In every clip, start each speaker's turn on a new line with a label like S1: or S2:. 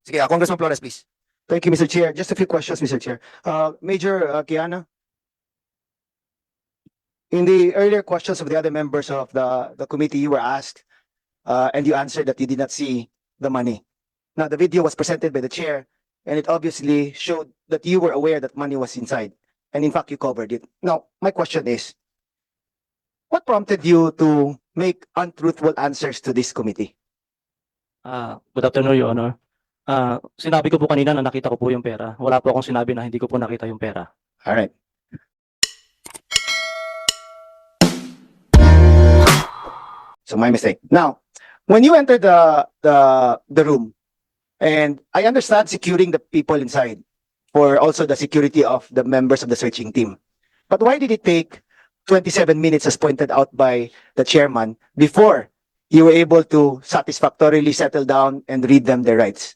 S1: Sige, Congressman Flores, please.
S2: Thank you, Mr. Chair. Just a few questions, Mr. Chair. Major Kiana, in the earlier questions of the other members of the committee, you were asked, and you answered that you did not see the money. Now, the video was presented by the chair, and it obviously showed that you were aware that money was inside. And in fact, you covered it. Now, my question is, what prompted you to make untruthful answers to this committee?
S3: Good afternoon, Your Honor. Sinabi ko po kanina na nakita ko po yung pera. Wala po akong sinabi na hindi ko po nakita yung pera.
S2: All right. So my mistake. Now, when you entered the room, and I understand securing the people inside for also the security of the members of the searching team. But why did it take 27 minutes as pointed out by the chairman before you were able to satisfactorily settle down and read them their rights?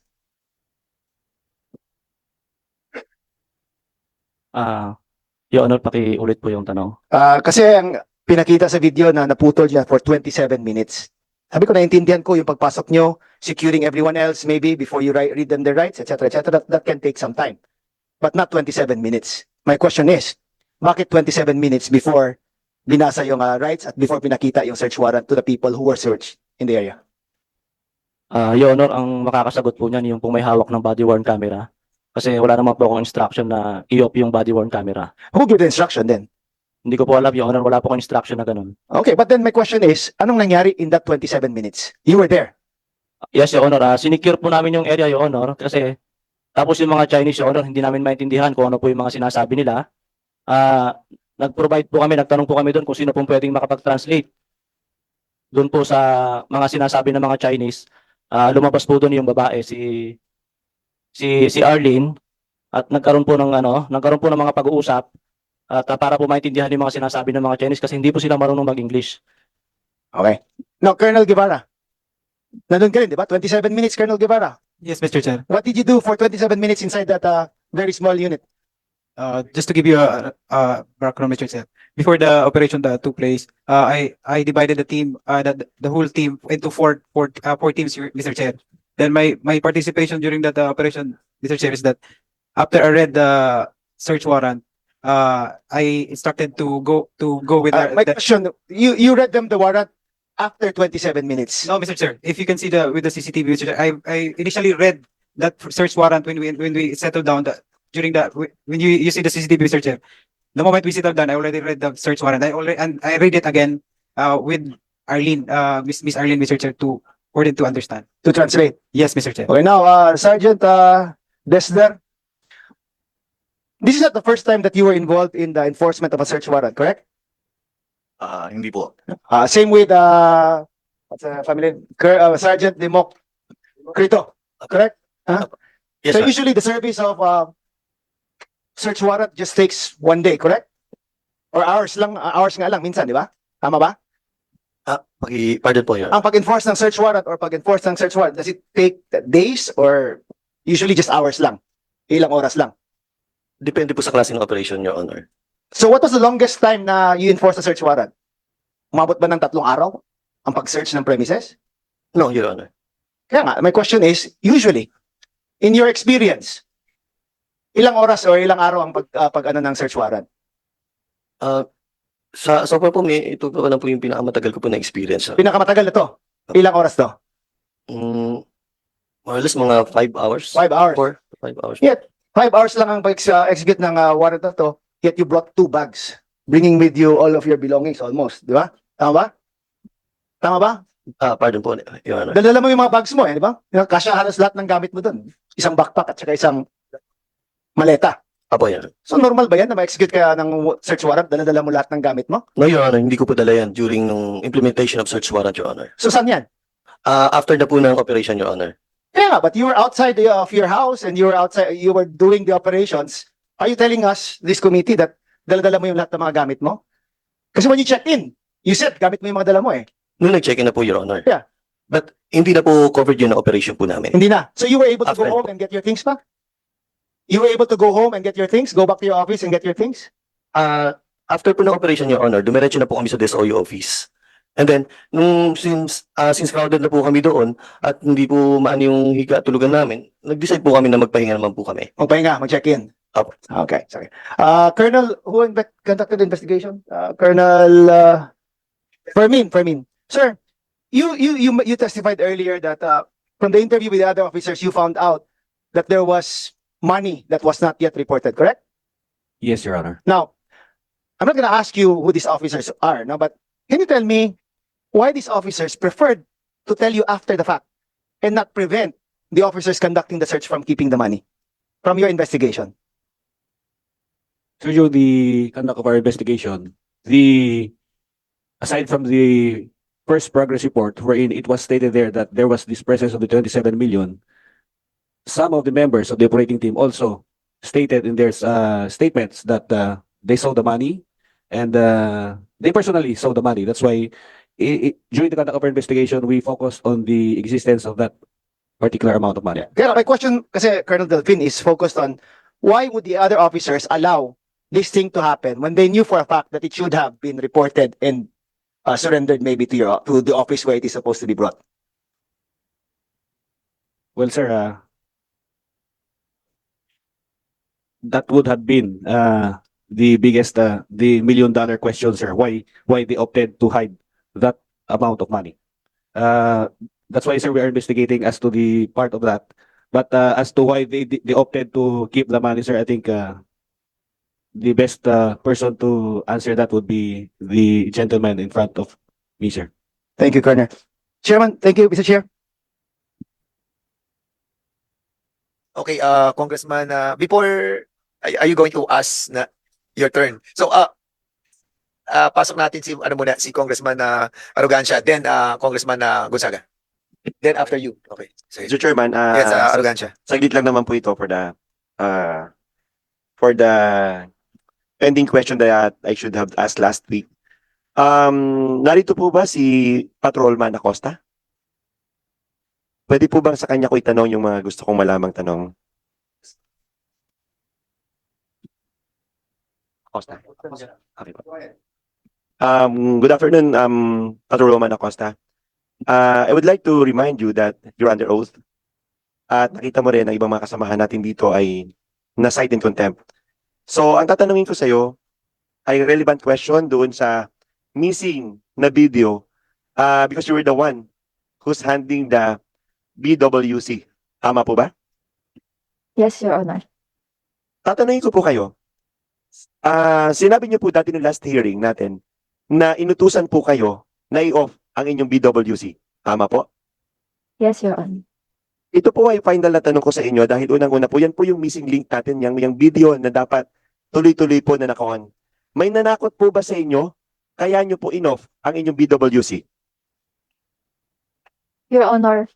S3: Your Honor, pakiulit po yung tanong.
S2: Kasi ang pinakita sa video na naputol niya for 27 minutes. Sabi ko, naintindihan ko yung pagpasok nyo, securing everyone else maybe before you read them their rights, etc., etc. That can take some time. But not 27 minutes. My question is, bakit 27 minutes before binasa yung rights at before pinakita yung search warrant to the people who were searched in the area?
S3: Your Honor, ang makakasagot po niyan yung kung may hawak ng body-worn camera. Kasi wala naman po akong instruction na i-off yung body-worn camera.
S2: Who gave the instruction then?
S3: Hindi ko po alam, Your Honor. Wala po akong instruction na ganun.
S2: Okay, but then my question is, anong nangyari in that 27 minutes? You were there.
S3: Yes, Your Honor. Sinicure po namin yung area, Your Honor. Kasi tapos yung mga Chinese, Your Honor, hindi namin maintindihan kung ano po yung mga sinasabi nila. Nag-provide po kami, nagtanong po kami doon kung sino pong pwedeng makapag-translate. Doon po sa mga sinasabi ng mga Chinese, lumabas po doon yung babae, si Arlene, at nagkaroon po ng mga pag-uusap at para po maintindihan yung mga sinasabi ng mga Chinese kasi hindi po sila marunong mag-English.
S2: Okay. Now, Colonel Guevara. Nandun ka rin, di ba? 27 minutes, Colonel Guevara.
S4: Yes, Mr. Chair.
S2: What did you do for 27 minutes inside that very small unit?
S4: Just to give you a background, Mr. Chair. Before the operation that took place, I divided the team, the whole team into four teams, Mr. Chair. Then my participation during that operation, Mr. Chair, is that after I read the search warrant, I instructed to go with
S2: My question, you read them the warrant after 27 minutes.
S4: No, Mr. Chair. If you can see with the CCTV, Mr. Chair, I initially read that search warrant when we settled down when you see the CCTV, Mr. Chair. The moment we settled down, I already read the search warrant. I read it again with Arlene, Miss Arlene, Mr. Chair, for them to understand.
S2: To translate.
S4: Yes, Mr. Chair.
S2: Okay, now, Sergeant Desder, this is not the first time that you were involved in the enforcement of a search warrant, correct?
S1: Hindi po.
S2: Same with what's the family? Sergeant Democ Crito, correct?
S1: Yes,
S2: So
S1: sir.
S2: usually the service of search warrant just takes 1 day, correct? Or hours nga lang minsan, di ba? Tama ba?
S1: Pardon po yun.
S2: Ang pag-enforce ng search warrant or pag-enforce ng search warrant, does it take days or usually just hours lang? Ilang oras lang?
S1: Depende po sa klase ng operation, Your Honor.
S2: So what was the longest time na you enforce the search warrant? Umabot ba ng 3 araw ang pag-search ng premises?
S1: No, Your Honor.
S2: Kaya nga, my question is, usually, in your experience, ilang oras or ilang araw ang pag-ano ng search warrant?
S1: So far po, ito po lang po yung pinakamatagal ko po na experience.
S2: Pinakamatagal na to? Ilang oras to?
S1: More or less mga 5 hours.
S2: 5 hours.
S1: 5 hours.
S2: Yeah. 5 hours lang ang pag-execute ng warrant na to, yet you brought 2 bags, bringing with you all of your belongings almost, di ba? Tama ba? Tama ba?
S1: Pardon po, Your Honor.
S2: Dala mo yung mga bags mo, di ba? Kasya halos lahat ng gamit mo doon. Isang backpack at saka isang maleta.
S1: Apo, Your Honor.
S2: So normal ba yan na ma-execute kaya ng search warrant, dala mo lahat ng gamit mo?
S1: No, Your Honor, hindi ko po dala yan during nung implementation of search warrant, Your Honor.
S2: So saan yan?
S1: After na po ng operation, Your Honor.
S2: Yeah, but you were outside of your house and you were doing the operations. Are you telling us, this committee, that dala-dala mo yung lahat ng mga gamit mo? Kasi when you checked in, you said gamit mo yung mga dala mo eh.
S1: Nung nag-check-in na po, Your Honor.
S2: Yeah.
S1: But hindi na po covered yun na operation po namin.
S2: Hindi na. So you were able to go
S1: After.
S2: home and get your things back? You were able to go home and get your things? Go back to your office and get your things?
S1: After po ng operation, Your Honor, dumiretso na po kami sa DSOU office. And then, since crowded na po kami doon at hindi po maano yung higa at tulugan namin, nag-decide po kami na magpahinga naman po kami.
S2: Magpahinga, mag-check-in.
S1: Opo.
S2: Okay, sorry. Colonel, who conducted the investigation? Colonel Fermin. Sir, you testified earlier that from the interview with the other officers, you found out that there was money that was not yet reported, correct?
S5: Yes, Your Honor.
S2: Now, I'm not gonna ask you who these officers are, no, but can you tell me why these officers preferred to tell you after the fact and not prevent the officers conducting the search from keeping the money from your investigation?
S5: So during the conduct of our investigation, aside from the first progress report wherein it was stated there that there was this presence of the 27 million, some of the members of the operating team also stated in their statements that they saw the money and they personally saw the money. That's why during the conduct of our investigation, we focused on the existence of that particular amount of money.
S2: Kaya my question, kasi Colonel Delfin, is focused on why would the other officers allow this thing to happen when they knew for a fact that it should have been reported and surrendered maybe to the office where it is supposed to be brought?
S5: Well, sir, that would have been the biggest, the $1 million question, sir. Why they opted to hide that amount of money? That's why, sir, we are investigating as to the part of that. But as to why they opted to keep the money, sir, I think the best person to answer that would be the gentleman in front of me, sir.
S2: Thank you, Colonel. Chairman, thank you, Mr. Chair.
S6: Okay, Congressman, before, are you going to ask na your turn? So, pasok natin si, si Congressman Arrogancia, then Congressman Gonzaga. Then after you. Okay. Sige.
S7: Mr. Chairman,
S6: Yes, Arrogancia.
S7: saglit lang naman po ito for the pending question that I should have asked last week. Narito po ba si Patrolman Acosta? Pwede po bang sa kanya ko itanong yung mga gusto kong malamang tanong? Acosta. Okay po. Good afternoon, Patrolman Acosta. I would like to remind you that you're under oath. At nakita mo rin ang ibang mga kasamahan natin dito ay na-cite in contempt. So, ang tatanungin ko sa iyo ay relevant question doon sa missing na video because you were the one who's handling the BWC. Tama po ba?
S8: Yes, Your Honor.
S7: Tatanungin ko po kayo. Sinabi niyo po dati ng last hearing natin na inutusan po kayo na i-off ang inyong BWC. Tama po?
S8: Yes, Your Honor.
S7: Ito po ay final na tanong ko sa inyo dahil unang-una po, yan po yung missing link natin, yung video na dapat tuloy-tuloy po na nakaon. May nanakot po ba sa inyo? Kaya nyo po in-off ang inyong BWC?
S8: Your Honor,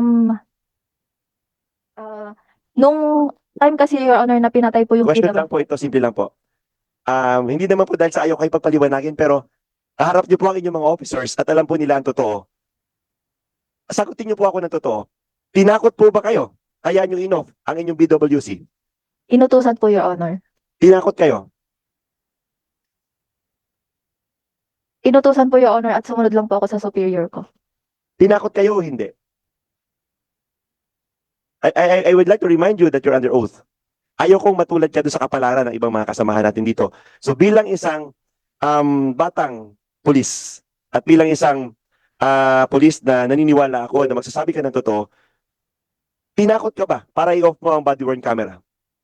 S8: nung time kasi, Your Honor, na pinatay po yung
S7: Question lang po ito, simple lang po. Hindi naman po dahil sa ayaw kayo pagpaliwanagin, pero kaharap nyo po ang inyong mga officers at alam po nila ang totoo. Sagutin nyo po ako ng totoo. Tinakot po ba kayo? Kaya nyo in-off ang inyong BWC?
S8: Inutusan po, Your Honor.
S7: Tinakot kayo?
S8: Inutusan po, Your Honor, at sumunod lang po ako sa superior ko.
S7: Tinakot kayo o hindi? I would like to remind you that you're under oath. Ayaw kong matulad ka doon sa kapalaran ng ibang mga kasamahan natin dito. So bilang isang batang pulis at bilang isang pulis na naniniwala ako na magsasabi ka ng totoo, tinakot ka ba para i-off mo ang body-worn camera?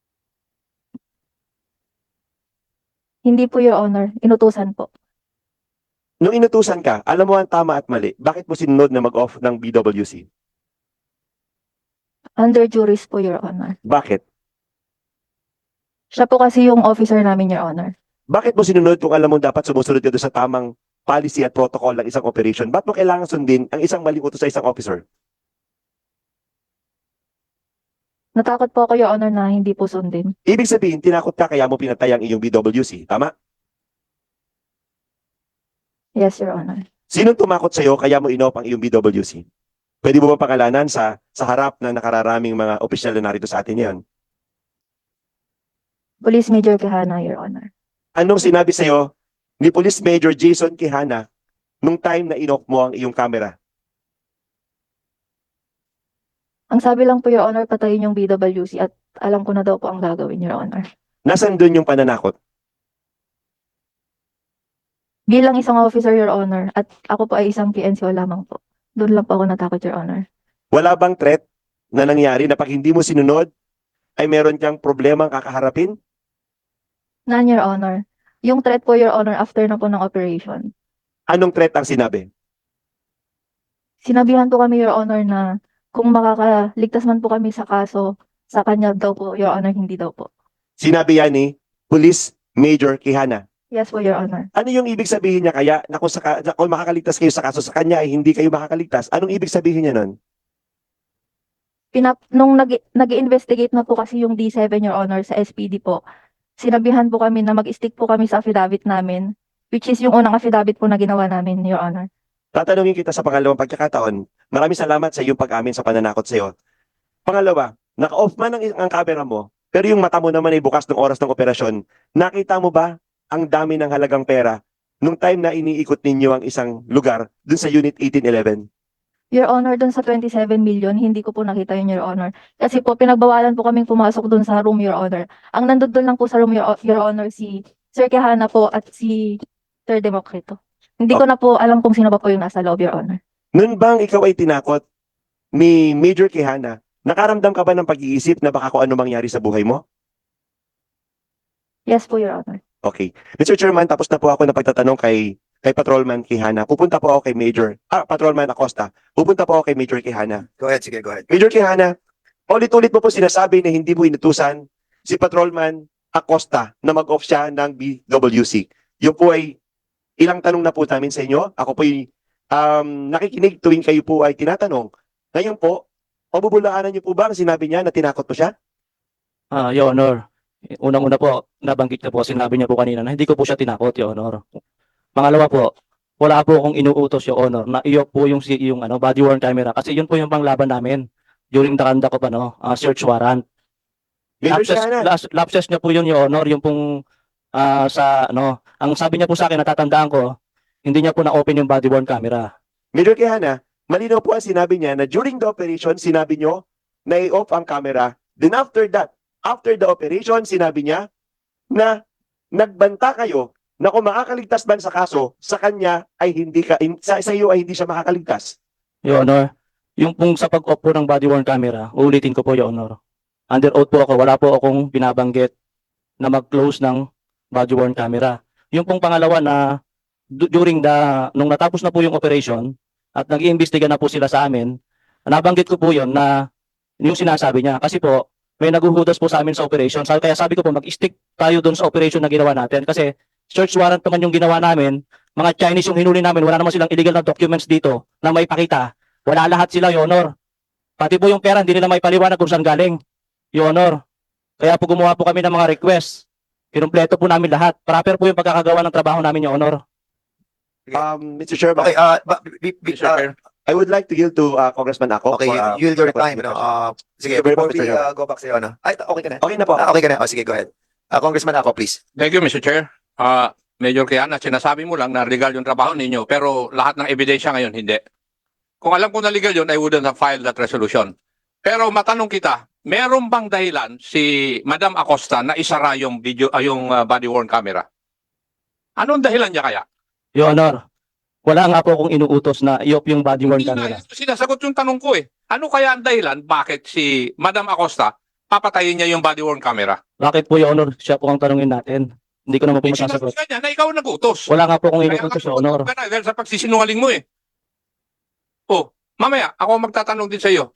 S8: Hindi po, Your Honor. Inutusan po.
S7: Nung inutusan ka, alam mo ang tama at mali. Bakit mo sinunod na mag-off ng BWC?
S8: Under juris po, Your Honor.
S7: Bakit?
S8: Siya po kasi yung officer namin, Your Honor.
S7: Bakit mo sinunod kung alam mo dapat sumusunod ka doon sa tamang policy at protocol ng isang operation? Bakit mo kailangan sundin ang isang maling utos sa isang officer?
S8: Natakot po ako, Your Honor, na hindi po sundin.
S7: Ibig sabihin, tinakot ka kaya mo pinatay ang iyong BWC. Tama?
S8: Yes, Your Honor.
S7: Sinong tumakot sa'yo kaya mo in-off ang iyong BWC? Pwede mo ba pangalanan sa harap ng nakararaming mga opisyal na narito sa atin yan?
S8: Police Major Quijana, Your Honor.
S7: Anong sinabi sa'yo ni Police Major Jason Quijana nung time na in-off mo ang iyong camera?
S8: Ang sabi lang po, Your Honor, patayin yung BWC at alam ko na daw po ang gagawin, Your Honor.
S7: Nasaan doon yung pananakot?
S8: Bilang isang officer, Your Honor, at ako po ay isang PNCO lamang po. Doon lang po ako natakot, Your Honor.
S7: Wala bang threat na nangyari na pag hindi mo sinunod, ay meron kang problemang kakaharapin?
S8: None, Your Honor. Yung threat po, Your Honor, after na po ng operation.
S7: Anong threat ang sinabi?
S8: Sinabihan po kami, Your Honor, na kung makakaligtas man po kami sa kaso, sa kanya daw po, Your Honor, hindi daw po.
S7: Sinabi yan ni Police Major Quijana.
S8: Yes po, Your Honor.
S7: Ano yung ibig sabihin niya kaya na kung makakaligtas kayo sa kaso sa kanya ay hindi kayo makakaligtas? Anong ibig sabihin niya nun?
S8: Nung nag-investigate na po kasi yung D7, Your Honor, sa SPD po, sinabihan po kami na mag-stick po kami sa affidavit namin, which is yung unang affidavit po na ginawa namin, Your Honor.
S7: Tatanungin kita sa pangalawang pagkakataon. Maraming salamat sa iyong pag-amin sa pananakot sa iyo. Pangalawa, naka-off man ang camera mo, pero yung mata mo naman ay bukas ng oras ng operasyon. Nakita mo ba ang dami ng halagang pera nung time na iniikot ninyo ang isang lugar dun sa Unit 1811?
S8: Your Honor, dun sa 27 million, hindi ko po nakita yun, Your Honor. Kasi po, pinagbawalan po kaming pumasok dun sa room, Your Honor. Ang nandun dun lang po sa room, Your Honor, si Sir Quijana po at si Sir Democrito. Hindi ko na po alam kung sino pa po yung nasa loob, Your Honor.
S7: Noon bang ikaw ay tinakot ni Major Quijana, nakaramdam ka ba ng pag-iisip na baka kung ano mangyari sa buhay mo?
S8: Yes po, Your Honor.
S7: Okay. Mr. Chairman, tapos na po ako ng pagtatanong kay Patrolman Quijana. Pupunta po ako kay Patrolman Acosta. Pupunta po ako kay Major Quijana.
S6: Go ahead, sige, go ahead.
S7: Major Quijana, ulit-ulit mo po sinasabi na hindi mo inutusan si Patrolman Acosta na mag-off siya ng BWC. Yun po ay ilang tanong na po namin sa inyo. Ako po ay nakikinig tuwing kayo po ay tinatanong. Ngayon po, pabubulaanan niyo po ba ang sinabi niya na tinakot mo siya?
S3: Your Honor, unang-una po, nabanggit na po, sinabi niya po kanina na hindi ko po siya tinakot, Your Honor. Pangalawa po, wala po akong inuutos, Your Honor, na iyo po yung body worn camera kasi yun po yung panglaban namin during the conduct of search warrant.
S7: Major Quijana,
S3: Lapses niya po yun, Your Honor, yung pong ang sabi niya po sa akin, natatandaan ko, hindi niya po na-open yung body worn camera.
S7: Major Quijana, malinaw po ang sinabi niya na during the operation, sinabi niyo na i-off ang camera. Then after that, after the operation, sinabi niya na nagbanta kayo na kung makakaligtas man sa kaso, sa kanya ay sa iyo ay hindi siya makakaligtas.
S3: Your Honor, yung pong sa pag-off po ng body worn camera, uulitin ko po, Your Honor. Under oath po ako, wala po akong binabanggit na mag-close ng body worn camera. Yung pong pangalawa na nung natapos na po yung operation at nag-iimbestiga na po sila sa amin, nabanggit ko po yun na yung sinasabi niya. Kasi po, may naguhudas po sa amin sa operation. Kaya sabi ko po, mag-stick tayo doon sa operation na ginawa natin. Kasi search warrant naman yung ginawa namin. Mga Chinese yung hinuli namin. Wala naman silang illegal na documents dito na may pakita. Wala lahat sila, Your Honor. Pati po yung pera, hindi nila may paliwanag kung saan galing, Your Honor. Kaya po gumawa po kami ng mga request. Kinumpleto po namin lahat. Proper po yung pagkakagawa ng trabaho namin, Your Honor.
S7: Mr. Chairman,
S6: Okay,
S7: I would like to yield to Congressman Ako.
S6: okay,
S7: for,
S6: yield your
S7: for
S6: time, sige,
S7: Very
S6: before
S7: much,
S6: we
S7: Mr. Chairman.
S6: go back sa'yo, Ay, okay ka na?
S7: Okay na po.
S6: Okay ka na? Sige, go ahead. Congressman ako, please.
S9: Thank you, Mr. Chair. Major Quijana, sinasabi mo lang na legal yung trabaho ninyo, pero lahat ng ebidensya ngayon, hindi. Kung alam ko na legal yun, I wouldn't have filed that resolution. Pero matanong kita, meron bang dahilan si Madam Acosta na isara yung body worn camera? Anong dahilan niya kaya?
S3: Your Honor, wala nga po akong inuutos na i-off yung body worn
S9: Hindi
S3: camera.
S9: na, sinasagot yung tanong ko eh. Ano kaya ang dahilan bakit si Madam Acosta papatayin niya yung body worn camera?
S3: Bakit po, Your Honor? Siya po ang tanungin natin. Hindi ko naman po masasagot.
S9: Sinasagot niya na ikaw ang nag-utos.
S3: Wala nga po akong
S9: Kaya
S3: inuutos,
S9: ka
S3: Your Honor.
S9: ka na dahil sa pagsisinungaling mo eh. Oh, mamaya, ako ang magtatanong din sa iyo.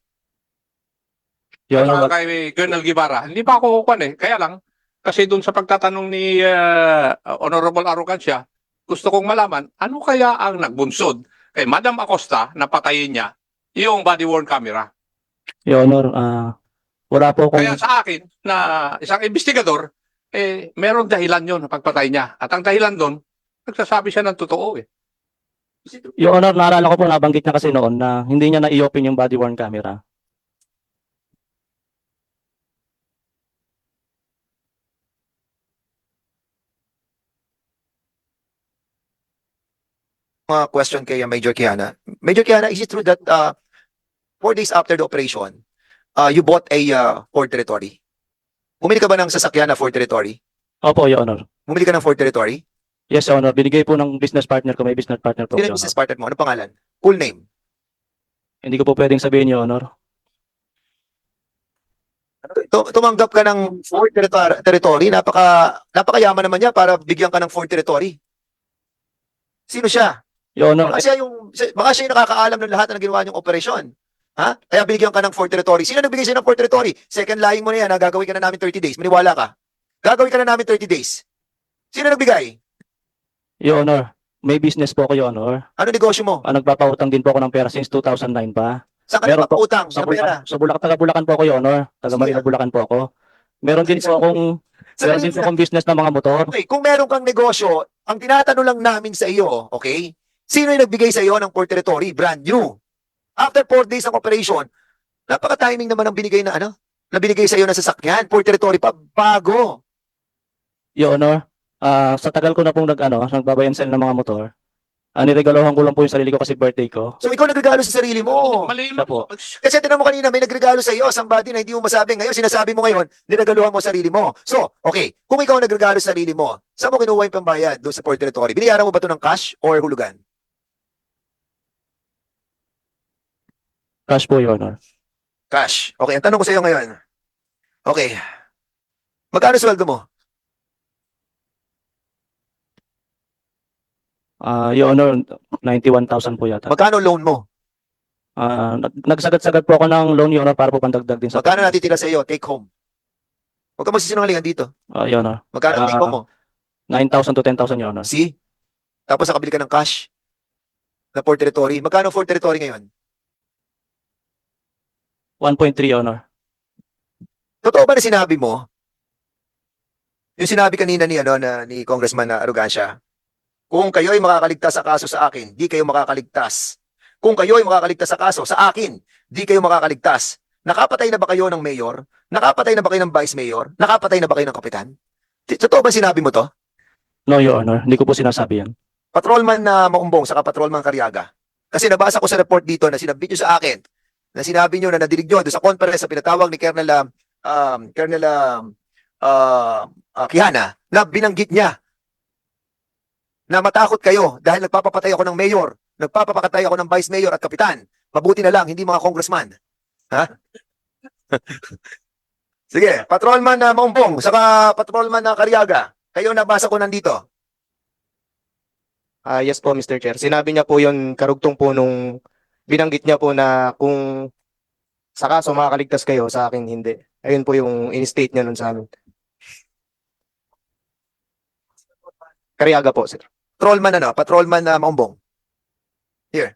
S3: Your Honor,
S9: Kay Colonel Guevara. Hindi pa ako kukuhan eh. Kaya lang, kasi doon sa pagtatanong ni Honorable Arrogancia, gusto kong malaman, ano kaya ang nagbunsod kay Madam Acosta na patayin niya yung body-worn camera?
S3: Your Honor, wala po akong...
S9: Kaya sa akin, na isang investigador, meron dahilan yun na pagpatay niya. At ang dahilan doon, nagsasabi siya ng totoo eh.
S3: Your Honor, naalala ko po, nabanggit niya kasi noon na hindi niya na-i-open yung body worn camera.
S6: question kay Major Kiana. Major Kiana, is it true that 4 days after the operation, you bought a Ford Territory? Bumili ka ba ng sasakyan na Ford Territory?
S3: Opo, Your Honor.
S6: Bumili ka ng Ford Territory?
S3: Yes, Your Honor. Binigay po ng business partner ko. May business partner po,
S6: Sino
S3: Your
S6: yung business
S3: Honor.
S6: partner mo? Ano pangalan? Full name?
S3: Hindi ko po pwedeng sabihin, Your Honor.
S6: Tumanggap ka ng Ford Territory, napakayaman naman niya para bigyan ka ng Ford Territory. Sino siya?
S3: Your Honor,
S6: Baka siya yung nakakaalam ng lahat na ginawa niyong operasyon. Ha? Kaya binigyan ka ng Ford Territory. Sino nagbigay sa'yo ng Ford Territory? Second lying mo na yan, gagawin ka na namin 30 days. Maniwala ka. Gagawin ka na namin 30 days. Sino nagbigay?
S3: Your Honor, may business po ako, Your Honor.
S6: Ano negosyo mo?
S3: Nagpapautang din po ako ng pera since 2009 pa.
S6: Saan ka
S3: Meron po.
S6: nagpapautang
S3: Sa
S6: ng pera?
S3: Bulacan, taga Bulacan po ako, Your Honor. Taga
S6: Sige.
S3: Manila, Bulacan po ako. Meron din po akong business na mga motor.
S6: Okay, kung meron kang negosyo, ang tinatanong lang namin sa iyo, okay? Sino yung nagbigay sa iyo ng Ford Territory? Brand new. After 4 days ng operation, napaka-timing naman ang binigay na na binigay sa iyo na sasakyan. Ford Territory pa, bago.
S3: Your Honor, sa tagal ko na pong nagbabayan sell ng mga motor, niregalohan ko lang po yung sarili ko kasi birthday ko.
S6: So ikaw nagregalo sa sarili mo.
S9: Mali
S3: Siya po.
S6: Kasi tinan mo kanina, may nagregalo sa iyo, somebody na hindi mo masabi. Ngayon, sinasabi mo ngayon, niregaluhan mo sarili mo. So, okay, kung ikaw nagregalo sa sarili mo, saan mo kinuha yung pambayad doon sa Ford Territory? Binayaran mo ba ito ng cash or hulugan?
S3: Cash po, Your Honor.
S6: Cash. Okay, ang tanong ko sa iyo ngayon. Okay. Magkano sweldo mo?
S3: Your Honor, 91,000 po yata.
S6: Magkano loan mo?
S3: Nagsagad-sagad po ako ng loan, Your Honor, para po pandagdag din sa...
S6: Magkano natitira sa iyo? Take home. Huwag ka magsisinungalingan dito.
S3: Your Honor,
S6: Magkano take home mo?
S3: 9,000 to 10,000, Your Honor.
S6: See? Tapos nakabili ka ng cash na Ford Territory. Magkano Ford Territory ngayon?
S3: 1.3, Your Honor.
S6: Totoo ba na sinabi mo? Yung sinabi kanina ni Congressman na Arrogancia, kung kayo ay makakaligtas sa kaso sa akin, di kayo makakaligtas. Kung kayo ay makakaligtas sa kaso sa akin, di kayo makakaligtas. Nakapatay na ba kayo ng mayor? Nakapatay na ba kayo ng vice mayor? Nakapatay na ba kayo ng kapitan? Totoo ba sinabi mo to?
S3: No, Your Honor. Hindi ko po sinasabi yan.
S6: Patrolman na Maumbong saka Patrolman Cariaga. Kasi nabasa ko sa report dito na sinabit nyo sa akin, na sinabi nyo na nadinig nyo doon sa conference na pinatawag ni Colonel Quijana, na binanggit niya na matakot kayo dahil nagpapapatay ako ng mayor, nagpapapakatay ako ng vice mayor at kapitan. Mabuti na lang, hindi mga congressman. Ha? Sige, Patrolman na Maumbong saka Patrolman na Cariaga. Kayo nabasa ko nandito.
S1: Yes po, Mr. Chair. Sinabi niya po yun, karugtong po nung binanggit niya po na kung sa kaso makakaligtas kayo, sa akin hindi. Ayun po yung in-state niya nun sa amin. Kariaga po, sir.
S6: Patrolman na Maumbong. Here.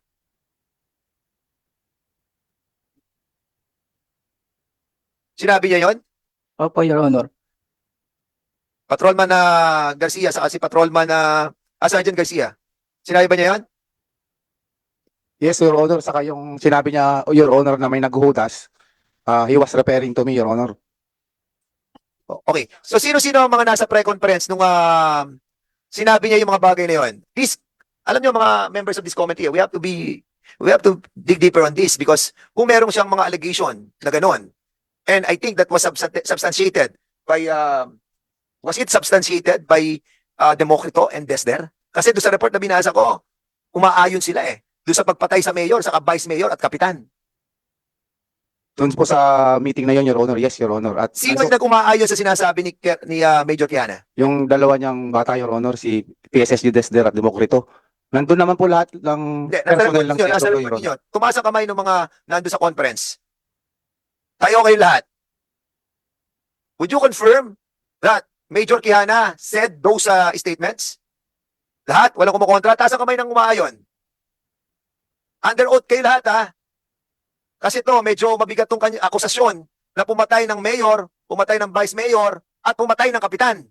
S6: Sinabi niya yon?
S4: Opo, Your Honor.
S6: Patrolman na Garcia saka si Patrolman na Sergeant Garcia. Sinabi ba niya yon?
S2: Yes, Your Honor. Saka yung sinabi niya, Your Honor, na may naghuhudas, he was referring to me, Your Honor.
S6: Okay. So sino-sino ang mga nasa pre-conference nung sinabi niya yung mga bagay na yon? Please, alam niyo mga members of this committee, we have to dig deeper on this because kung meron siyang mga allegation na ganon, and I think that was substantiated by was it substantiated by Democrito and Desder? Kasi doon sa report na binasa ko, umaayon sila doon sa pagpatay sa mayor, sa vice mayor at kapitan.
S2: Doon po sa meeting na yun, Your Honor. Yes, Your Honor. At
S6: Sino yung nag-umaayon sa sinasabi ni Major Kiana?
S2: yung dalawa niyang bata, Your Honor, si PSSU Desder at Democrito. Nandun naman po lahat ng
S6: Hindi, nasa
S2: personnel
S6: report
S2: ng
S6: ninyo, nasa
S2: CSO,
S6: report
S2: Your Honor.
S6: ninyo. Tumaas ang kamay ng mga nando sa conference. Tayo kayo lahat. Would you confirm that Major Quijana said those statements? Lahat? Walang kumukontra? Taas ang kamay ng umaayon. Under oath kayo lahat, ha? Kasi to medyo mabigat tong akusasyon na pumatay ng mayor, pumatay ng vice mayor, at pumatay ng kapitan.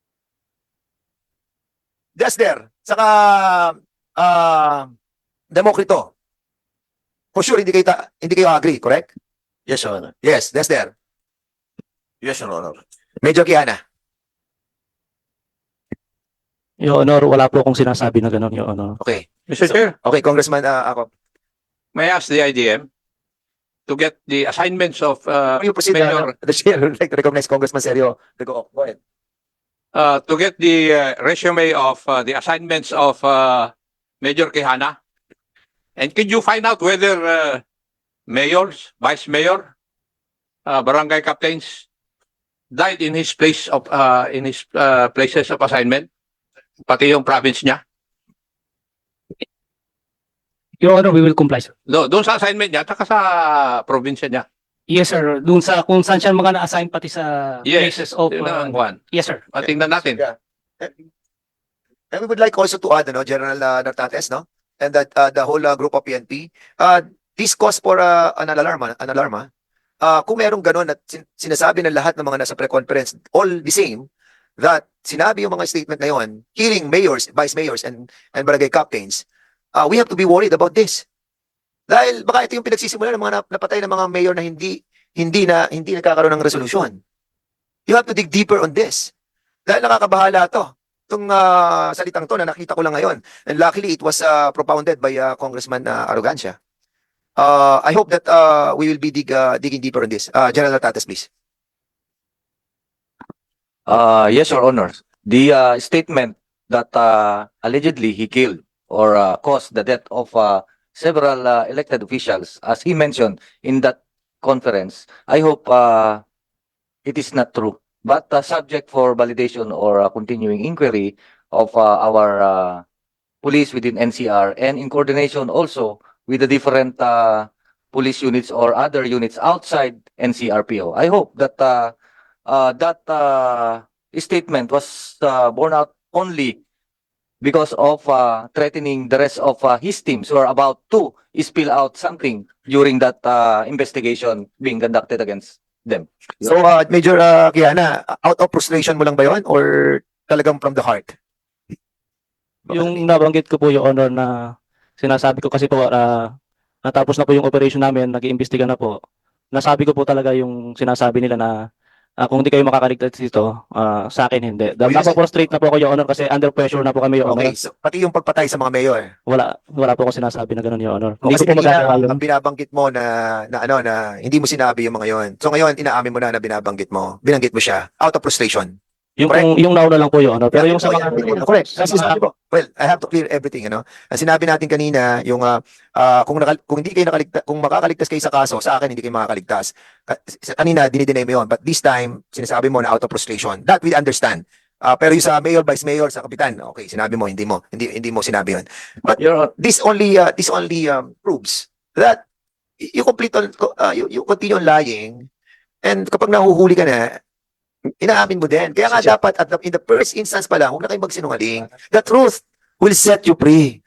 S6: Desder, saka Democrito. For sure, hindi kayo agree, correct?
S1: Yes, Your Honor.
S6: Yes, Desder.
S1: Yes, Your Honor.
S6: Major Quijana.
S3: Your Honor, wala po akong sinasabi na gano'n, Your Honor.
S6: Okay.
S9: Mr.
S6: So-
S9: Chair,
S6: Okay, Congressman ako.
S9: may I ask the IDM to get the assignments of
S6: Before you proceed,
S9: Mayor,
S6: the chair would like to recognize Congressman Sergio. Go ahead.
S9: to get the resume of the assignments of Major Quijana. And could you find out whether mayors, vice mayor, barangay captains died in his place of in his places of assignment, pati yung province niya?
S10: Your Honor, we will comply, sir.
S9: Doon sa assignment niya, at saka sa probinsya niya.
S10: Yes, sir. Doon sa kung saan siya mga na-assign pati sa
S9: Yes.
S10: places of...
S9: Yun ang one.
S10: yes, sir.
S9: Tingnan natin.
S6: Yeah. And we would like also to add, General Nartates, no? And that the whole group of PNP, this cause for an alarm, kung merong ganun at sinasabi ng lahat ng mga nasa pre-conference, all the same, that sinabi yung mga statement ngayon, killing mayors, vice mayors, and barangay captains, we have to be worried about this. Dahil baka ito yung pinagsisimula ng mga napatay ng mga mayor na hindi nagkakaroon ng resolusyon. You have to dig deeper on this. Dahil nakakabahala to. Itong salitang to na nakita ko lang ngayon. And luckily, it was propounded by Congressman Arrogancia. I hope that we will be digging deeper on this. General Tatas, please.
S11: Yes, Your Honor. The statement that allegedly he killed or caused the death of several elected officials, as he mentioned in that conference, I hope it is not true. But subject for validation or continuing inquiry of our police within NCR and in coordination also with the different police units or other units outside NCRPO. I hope that that statement was borne out only because of threatening the rest of his teams who are about to spill out something during that investigation being conducted against them.
S6: So, Major Kiana, out of frustration mo lang ba yun? Or talagang from the heart?
S3: Yung nabanggit ko po, Your Honor, na sinasabi ko kasi po, natapos na po yung operation namin, nag-iimbestiga na po. Nasabi ko po talaga yung sinasabi nila na kung hindi kayo makakaligtas dito, sa akin hindi. Napaprustrate na po ako, Your Honor, kasi under pressure na po kami, Your Honor.
S6: Okay, so pati yung pagpatay sa mga mayor.
S3: Wala po ako sinasabi na gano'n, Your Honor. Hindi
S6: Kasi
S3: ko po magagawa
S6: kanina,
S3: yun.
S6: ang binabanggit mo na hindi mo sinabi yung mga yon. So ngayon, inaamin mo na binabanggit mo mo siya out of frustration.
S3: Yung nauna lang po, Your Honor. Pero yung sa mga...
S6: Correct. Kasi sabi ko, well, I have to clear everything, Sinabi natin kanina, yung kung hindi kayo kung makakaligtas kayo sa kaso, sa akin hindi kayo makakaligtas. Kanina dinideny mo yun, but this time sinasabi mo na out of frustration. That we understand. Pero yung sa mayor, vice mayor, sa kapitan, okay, sinabi mo, hindi mo sinabi yun. But this only proves that you you continue on lying, and kapag nahuhuli ka na, inaamin mo din. Kaya nga dapat in the first instance pa lang, huwag na kayong magsinungaling. The truth will set you free.